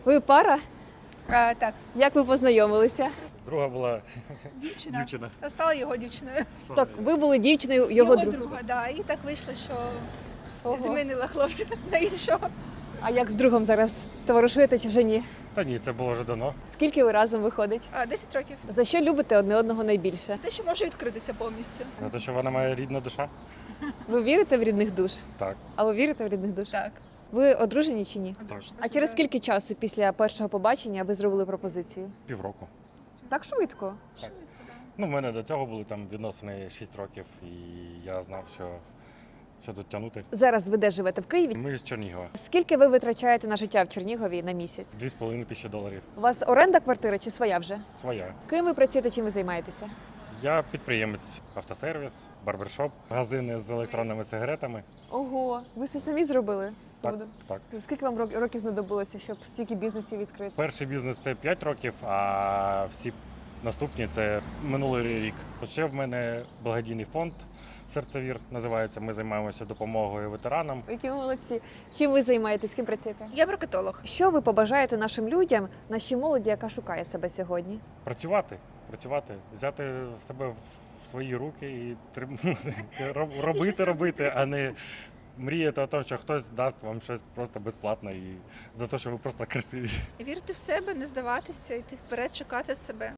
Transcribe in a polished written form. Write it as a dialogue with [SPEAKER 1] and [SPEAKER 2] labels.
[SPEAKER 1] Ви пара?
[SPEAKER 2] Так,
[SPEAKER 1] Як ви познайомилися?
[SPEAKER 3] Друга була
[SPEAKER 2] дівчина.
[SPEAKER 3] дівчина.
[SPEAKER 2] А стала його дівчиною.
[SPEAKER 1] Так, ви були дівчиною його друга.
[SPEAKER 2] друга, да. І так вийшло, що
[SPEAKER 1] Ого.
[SPEAKER 2] змінила хлопця на іншого.
[SPEAKER 1] А як з другом зараз товаришуєте чи вже ні?
[SPEAKER 3] Та ні, це було вже давно.
[SPEAKER 1] Скільки ви разом виходить?
[SPEAKER 2] 10 років.
[SPEAKER 1] За що любите одне одного найбільше?
[SPEAKER 2] Те, що може відкритися повністю.
[SPEAKER 3] За те, що вона моя рідна душа.
[SPEAKER 1] Ви вірите в рідних душ?
[SPEAKER 3] Так.
[SPEAKER 1] А ви вірите в рідних душ?
[SPEAKER 2] Так.
[SPEAKER 1] Ви одружені чи ні?
[SPEAKER 2] Одружена.
[SPEAKER 1] А через скільки часу після першого побачення ви зробили пропозицію?
[SPEAKER 3] Півроку.
[SPEAKER 1] Так швидко.
[SPEAKER 3] Ну, в мене до цього були там відносини 6 років, і я знав, що тут тягнути.
[SPEAKER 1] Зараз ви де живете в Києві?
[SPEAKER 3] Ми з Чернігова.
[SPEAKER 1] Скільки ви витрачаєте на життя в Чернігові на місяць?
[SPEAKER 3] 2,5 тисячі доларів.
[SPEAKER 1] У вас оренда квартири чи своя вже?
[SPEAKER 3] Своя.
[SPEAKER 1] Ким ви працюєте, чим ви займаєтеся?
[SPEAKER 3] Я підприємець, автосервіс, барбершоп, магазини з електронними сигаретами.
[SPEAKER 1] Ого, ви все самі зробили?
[SPEAKER 3] Так, так.
[SPEAKER 1] Скільки вам років знадобилося, щоб стільки бізнесів відкрити?
[SPEAKER 3] Перший бізнес це 5 років, а всі наступні це минулий рік. Ще в мене благодійний фонд «Серцевір» називається. Ми займаємося допомогою ветеранам.
[SPEAKER 1] Які ви молодці. Чим ви займаєтесь, ким працюєте?
[SPEAKER 2] Я бракетолог.
[SPEAKER 1] Що ви побажаєте нашим людям, нашій молоді, яка шукає себе сьогодні?
[SPEAKER 3] Працювати, взяти себе в свої руки і робити, а не мріяти о тому, що хтось дасть вам щось просто безплатно і за те, що ви просто красиві.
[SPEAKER 2] Вірити в себе, не здаватися, йти вперед, шукати себе.